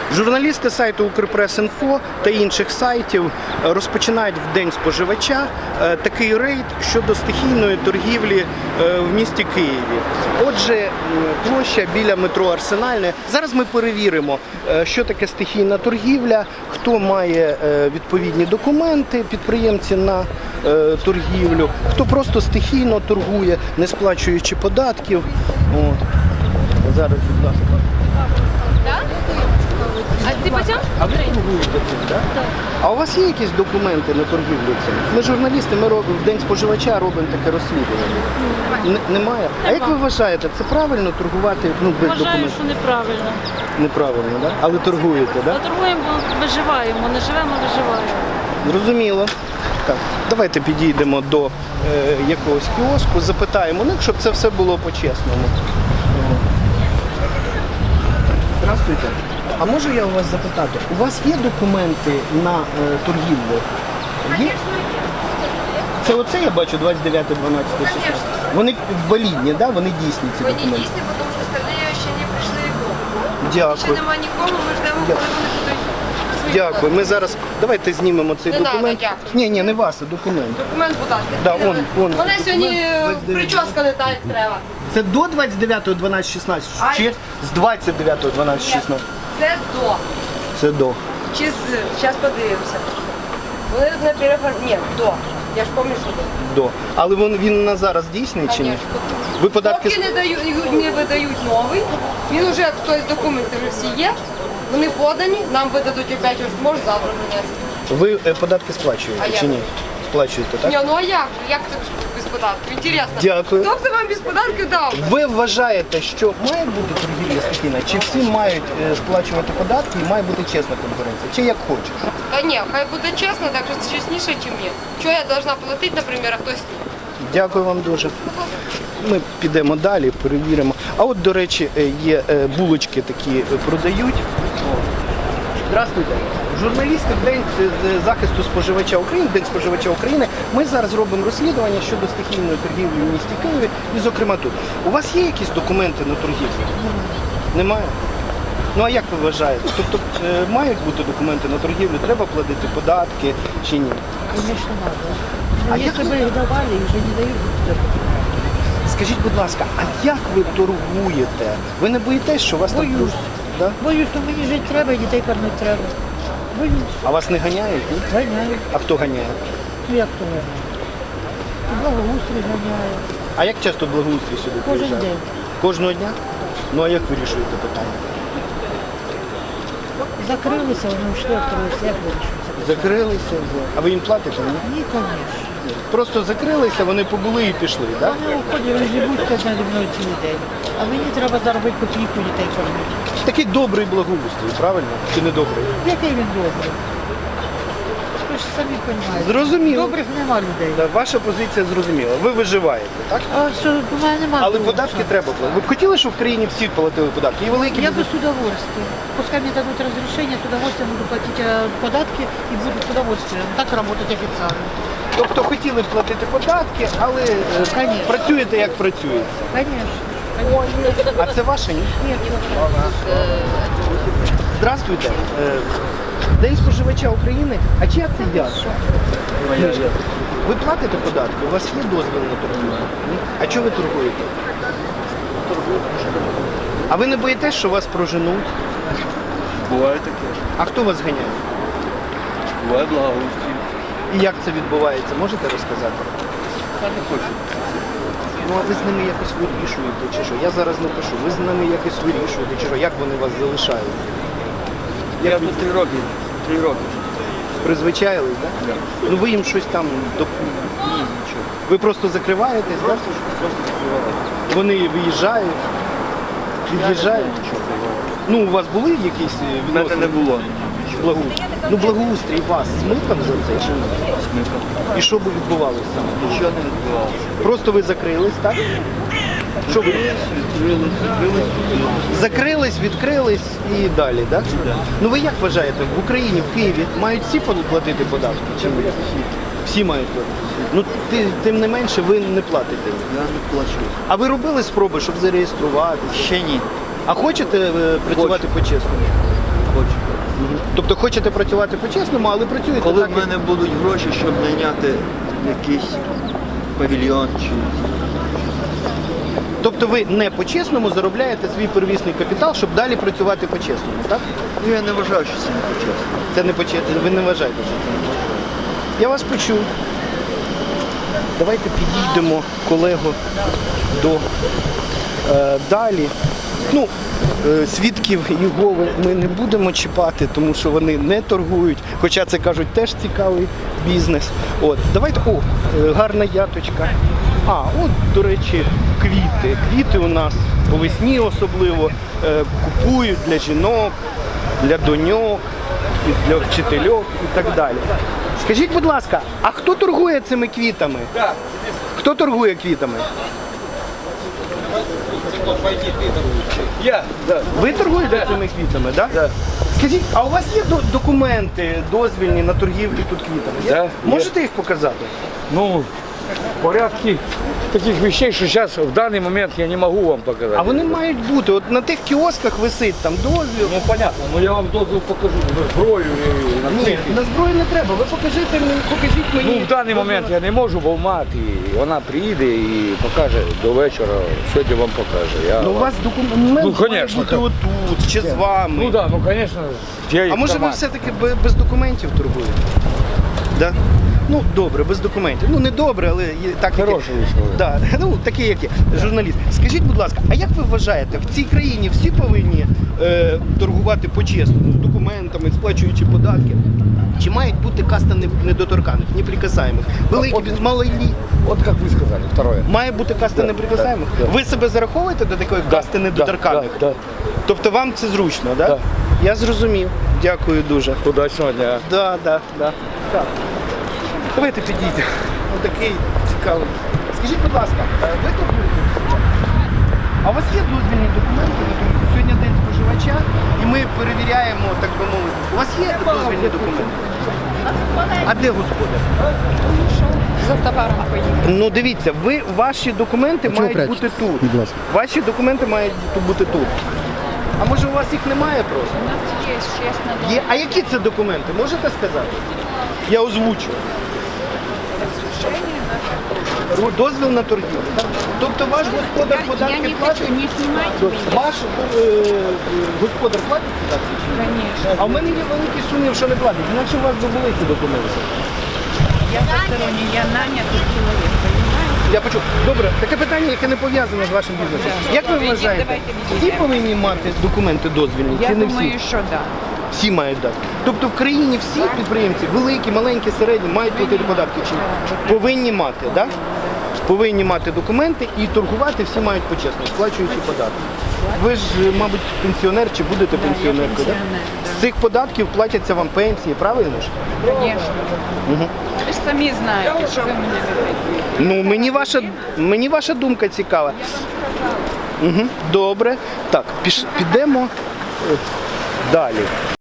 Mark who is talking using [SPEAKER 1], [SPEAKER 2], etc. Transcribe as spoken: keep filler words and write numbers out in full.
[SPEAKER 1] Журналісти сайту Укрпрес.Інфо та інших сайтів розпочинають в День споживача такий рейд щодо стихійної торгівлі в місті Києві. Отже, площа біля метро Арсенальне. Зараз ми перевіримо, що таке стихійна торгівля, хто має відповідні документи, підприємці на торгівлю, хто просто стихійно торгує, не сплачуючи податків. От. Зараз, будь ласка.
[SPEAKER 2] А ти почав?
[SPEAKER 1] А ви торгуєте цим, так? Так. А у вас є якісь документи на торгівлю цим? Ми журналісти, ми робимо в День споживача робимо таке розслідування. Немає. Немає? А як ви вважаєте, це правильно торгувати ну, без
[SPEAKER 2] Вважаю,
[SPEAKER 1] документів?
[SPEAKER 2] що неправильно.
[SPEAKER 1] Неправильно, так? Але торгуєте, так?
[SPEAKER 2] А торгуємо, бо виживаємо, не живемо, виживаємо.
[SPEAKER 1] Зрозуміло. Так, давайте підійдемо до е, якогось кіоску, запитаємо, ну, щоб це все було по-чесному. Здравствуйте. А можу я у вас запитати, у вас є документи на е, торгівлю? Є? Це оце я бачу двадцять дев'яте дванадцяте шістнадцяте. Вони валідні, да? Вони дійсні ці
[SPEAKER 3] Вони
[SPEAKER 1] документи?
[SPEAKER 3] дійсні, тому що остальні ще не прийшли в групу. Ще
[SPEAKER 1] Дякую.
[SPEAKER 3] немає нікого, ми ждемо, коли вони будуть свої
[SPEAKER 1] Дякую. Ми
[SPEAKER 3] подати.
[SPEAKER 1] зараз давайте знімемо цей
[SPEAKER 3] Не
[SPEAKER 1] документ.
[SPEAKER 3] надо, дякую.
[SPEAKER 1] Ні, ні, не вас, а документ.
[SPEAKER 3] Документ, будь ласка.
[SPEAKER 1] Да, он, он.
[SPEAKER 3] Мене сьогодні
[SPEAKER 1] Документ двадцять дев'яте.
[SPEAKER 3] прическа не так, як треба.
[SPEAKER 1] Це до двадцять дев'яте дванадцяте шістнадцяте
[SPEAKER 3] Ай.
[SPEAKER 1] чи з двадцять дев'яте дванадцяте шістнадцяте?
[SPEAKER 3] Це до.
[SPEAKER 1] Це до.
[SPEAKER 3] Чи з. Зараз подивимося. Вони тут на переформ... Ні, до. Я ж пам'ятаю, що до.
[SPEAKER 1] До. Але він, він на зараз дійсний чи ні?
[SPEAKER 3] Конечно.
[SPEAKER 1] Ви податки
[SPEAKER 3] Поки не, дають, не видають новий, він вже, тобто документи вже всі є, вони подані, нам видадуть опять, ось може завтра принести.
[SPEAKER 1] ви е, податки сплачуєте
[SPEAKER 3] А як?
[SPEAKER 1] чи ні? Сплачуєте, так?
[SPEAKER 3] Ні, ну а як? Як це без податків? Інтересно.
[SPEAKER 1] Дякую.
[SPEAKER 3] Хто б це вам без податків дав?
[SPEAKER 1] Ви вважаєте, що має бути торгівля стихійна? Чи всі мають е, сплачувати податки і має бути чесна конкуренція? Чи як хочеш?
[SPEAKER 3] Та ні, хай буде чесно, так що чесніше, ніж ні. Чого я должна платити, наприклад, а хтось ні?
[SPEAKER 1] Дякую вам дуже. Ми підемо далі, перевіримо. А от, до речі, е, є е, булочки такі е, продають. Здравствуйте. Журналісти в День з захисту споживача України, День споживача України, ми зараз робимо розслідування щодо стихійної торгівлі в місті Києві і, зокрема, тут. У вас є якісь документи на торгівлю? Немає? Ну а як ви вважаєте? Тобто е, мають бути документи на торгівлю, треба платити податки чи ні?
[SPEAKER 4] Конечно, надо.
[SPEAKER 1] А
[SPEAKER 4] А
[SPEAKER 1] як
[SPEAKER 4] если
[SPEAKER 1] вы-
[SPEAKER 4] бы их давали, их же не дают.
[SPEAKER 1] Скажіть, будь ласка, а як ви торгуєте? Ви не боїтесь, що вас
[SPEAKER 4] Боюсь.
[SPEAKER 1] так... Да?
[SPEAKER 4] Боюсь, що мені жити треба, і дітей кормити треба. Боюсь.
[SPEAKER 1] А вас не ганяють? Ні?
[SPEAKER 4] Ганяють.
[SPEAKER 1] А хто ганяє?
[SPEAKER 4] Ну як то ганяють? І благоустрій ганяє.
[SPEAKER 1] А як часто благоустрій сюди
[SPEAKER 4] Кожен
[SPEAKER 1] приїжджає?
[SPEAKER 4] день.
[SPEAKER 1] Кожного дня? Ну а як вирішуєте питання?
[SPEAKER 4] Закрилися, вони йшли, відкрилися. Як вирішується?
[SPEAKER 1] Закрилися, а ви їм платите? Ні?
[SPEAKER 4] Ні, звісно.
[SPEAKER 1] Просто закрилися, вони побули і пішли, так?
[SPEAKER 4] Вони уходять, вони живуть кожен зі мною цілий день. А мені треба заробити копійку, дітей кормити.
[SPEAKER 1] Такий добрий благоустрій, правильно? Чи не добрий?
[SPEAKER 4] Який він добрий? Ви ж самі розумієте.
[SPEAKER 1] Зрозуміло.
[SPEAKER 4] Добрих нема людей.
[SPEAKER 1] Да, ваша позиція зрозуміла. Ви виживаєте, так?
[SPEAKER 4] А що, у мене немає.
[SPEAKER 1] Але податки треба платити. Ви б хотіли, щоб в країні всі платили податки? І великі
[SPEAKER 4] Я
[SPEAKER 1] бізнес-
[SPEAKER 4] бы с удовольствием. Пускай мне дадут разрешение, с удовольствием буду платить э, податки и буду с удовольствием так работать официально.
[SPEAKER 1] Тобто хотіли б платити податки, але е,
[SPEAKER 4] Конечно.
[SPEAKER 1] працюєте як працюєте.
[SPEAKER 4] Конечно.
[SPEAKER 1] А це ваше, ні?
[SPEAKER 4] Нет,
[SPEAKER 1] Здравствуйте. Е, День споживача України. А чия це я? Книжка. Ви платите податки? У вас є дозвіл на торгівлю? Ні? А чого ви торгуєте? А ви не боїтесь, що вас проженуть?
[SPEAKER 5] Буває таке.
[SPEAKER 1] А хто вас ганяє?
[SPEAKER 5] Буває благоустрій.
[SPEAKER 1] І як це відбувається? Можете розказати?
[SPEAKER 5] Я не хочу.
[SPEAKER 1] Ну а ви з ними якось вирішуєте чи що? Я зараз напишу. Ви з ними якось вирішуєте чи що? Як вони вас залишають?
[SPEAKER 5] Я
[SPEAKER 1] Як
[SPEAKER 5] тут три роки. Три роки.
[SPEAKER 1] призвичаїлись, так?
[SPEAKER 5] Да.
[SPEAKER 1] Ну ви їм щось там доп...
[SPEAKER 5] Ні, нічого.
[SPEAKER 1] Ви просто закриваєтесь, так?
[SPEAKER 5] Просто, просто закривали.
[SPEAKER 1] Вони виїжджають, від'їжджають.
[SPEAKER 5] Нічого буває.
[SPEAKER 1] Ну, у вас були якісь е,
[SPEAKER 5] У мене
[SPEAKER 1] відносини?
[SPEAKER 5] не було.
[SPEAKER 1] Благоустрій. Ну, благоустрій вас смикав за це чи ні?
[SPEAKER 5] Смикав.
[SPEAKER 1] І що би відбувалося?
[SPEAKER 5] Нічого не відбувалося.
[SPEAKER 1] Просто ви закрились, так? Що ви?
[SPEAKER 5] Відкрились, відкрились, відкрились.
[SPEAKER 1] Закрились, відкрились і далі, так?
[SPEAKER 5] Да.
[SPEAKER 1] Ну ви як вважаєте, в Україні, в Києві мають всі платити податки? Чи ні? Всі мають платити. Ну, ти- тим не менше, ви не платите.
[SPEAKER 5] Я не плачу.
[SPEAKER 1] А ви робили спроби, щоб зареєструватися?
[SPEAKER 5] Ще ні.
[SPEAKER 1] А хочете е, працювати по-чесному?
[SPEAKER 5] Хочу.
[SPEAKER 1] Тобто хочете працювати по-чесному, але працюєте
[SPEAKER 5] Коли
[SPEAKER 1] так,
[SPEAKER 5] в мене будуть гроші, щоб найняти якийсь павільйон чи
[SPEAKER 1] Тобто ви не по-чесному заробляєте свій первісний капітал, щоб далі працювати по-чесному, так?
[SPEAKER 5] ну, я не вважаю, що це не почесно.
[SPEAKER 1] Це не по-чесному, ви не вважаєте, що це не по-чесному. Я вас почув. Давайте підійдемо, колего, до е, далі. Ну, е, свідків Єгови ми не будемо чіпати, тому що вони не торгують, хоча це, кажуть, теж цікавий бізнес. От, давайте, о, е, гарна яточка. А, от, до речі, квіти. Квіти у нас по весні особливо е, купують для жінок, для доньок, для вчительок і так далі. Скажіть, будь ласка, а хто торгує цими квітами? Хто торгує квітами?
[SPEAKER 6] Я, да.
[SPEAKER 1] Ви торгуєте цими квітами, так? Да? Скажіть, а у вас є до- документи дозвільні на торгівлю тут квітами? Є?
[SPEAKER 6] Да, є.
[SPEAKER 1] Можете їх показати?
[SPEAKER 6] Ну, порядки таких вещей, что сейчас в данный момент я не могу вам показать.
[SPEAKER 1] А вони мають бути. От на тих кіосках висить там дозвіл.
[SPEAKER 6] Ну понятно, но я вам дозвол покажу, на зброю і на
[SPEAKER 1] Ні,
[SPEAKER 6] техніку.
[SPEAKER 1] на зброю не треба. Ви покажіть мені, покажіть мені.
[SPEAKER 6] Ну, в даний момент я не можу, бо в мати, вона приїде і покаже до вечора, сьогодні вам покаже. Я
[SPEAKER 1] Ну, у
[SPEAKER 6] вам-
[SPEAKER 1] вас документ
[SPEAKER 6] Ну,
[SPEAKER 1] має
[SPEAKER 6] конечно,
[SPEAKER 1] бути
[SPEAKER 6] так.
[SPEAKER 1] отут, чи з вами.
[SPEAKER 6] Ну так, да, ну звісно.
[SPEAKER 1] А може ви все-таки бе- без документів торгуєте? Да? Ну, добре, без документів. Ну, не добре, але є так, як є.
[SPEAKER 6] Хороший вийшов.
[SPEAKER 1] Да. Ну, такий, як є, журналіст. Скажіть, будь ласка, а як ви вважаєте, в цій країні всі повинні е, торгувати по-чесному, з документами, сплачуючи податки? Чи мають бути каста не- недоторканих, неприкасаємих? Великі,
[SPEAKER 6] от-
[SPEAKER 1] малий,
[SPEAKER 6] От як ви сказали, второе.
[SPEAKER 1] має бути каста
[SPEAKER 6] Да,
[SPEAKER 1] неприкасаємих?
[SPEAKER 6] да, да.
[SPEAKER 1] Ви себе зараховуєте до такої касти недоторканих?
[SPEAKER 6] Да, да.
[SPEAKER 1] Тобто вам це зручно, так? Да?
[SPEAKER 6] Да.
[SPEAKER 1] Я зрозумів. Дякую дуже.
[SPEAKER 6] Удачного дня.
[SPEAKER 1] Да, да, да. Так. Давайте підійдемо. Ось такий цікавий. Скажіть, будь ласка, е, ви торгуєте? А у вас є дозвільні документи? на торгівлю? Сьогодні день споживача і ми перевіряємо, так би мовити. У вас є дозвільні документи? А де господар?
[SPEAKER 3] За товаром поїхали.
[SPEAKER 1] Ну дивіться, ви ваші документи мають бути тут.
[SPEAKER 5] Будь ласка.
[SPEAKER 1] Ваші документи мають бути тут. А може у вас їх немає просто?
[SPEAKER 2] У нас є, чесно.
[SPEAKER 1] Є. А які це документи? Можете сказати? Я озвучу. Ру- Дозвіл на торгівлю. так? Тобто ваш господар податки платить?
[SPEAKER 2] не знімати
[SPEAKER 1] Ваш е, господар платить податки? чи ні?
[SPEAKER 2] Конечно.
[SPEAKER 1] А в мене є великий сумнів, що не платить. Інакше у вас би були ці документи.
[SPEAKER 2] Я постороння, я нанятий чоловік, розумієте?
[SPEAKER 1] Я почув. Добре, таке питання, яке не пов'язане з вашим бізнесом. Як ви
[SPEAKER 2] Ідіть,
[SPEAKER 1] вважаєте,
[SPEAKER 2] давайте
[SPEAKER 1] всі
[SPEAKER 2] відійдемо.
[SPEAKER 1] повинні мати документи дозвільні?
[SPEAKER 2] Я
[SPEAKER 1] чи не
[SPEAKER 2] думаю,
[SPEAKER 1] всі?
[SPEAKER 2] що так.
[SPEAKER 1] Всі мають дати. Тобто в країні всі підприємці, великі, маленькі, середні, мають платити податки чи ні? Повинні мати, так? Да? Повинні мати документи і торгувати всі мають почесно, сплачуючи податки. Ви ж, мабуть, пенсіонер чи будете пенсіонеркою, так? З цих податків платяться вам пенсії, правильно ж?
[SPEAKER 2] Звісно. Ви ж самі знаєте, що ви мене ведете.
[SPEAKER 1] Ну, мені ваша, мені ваша думка цікава. Угу, добре. Так, піш, підемо е, далі.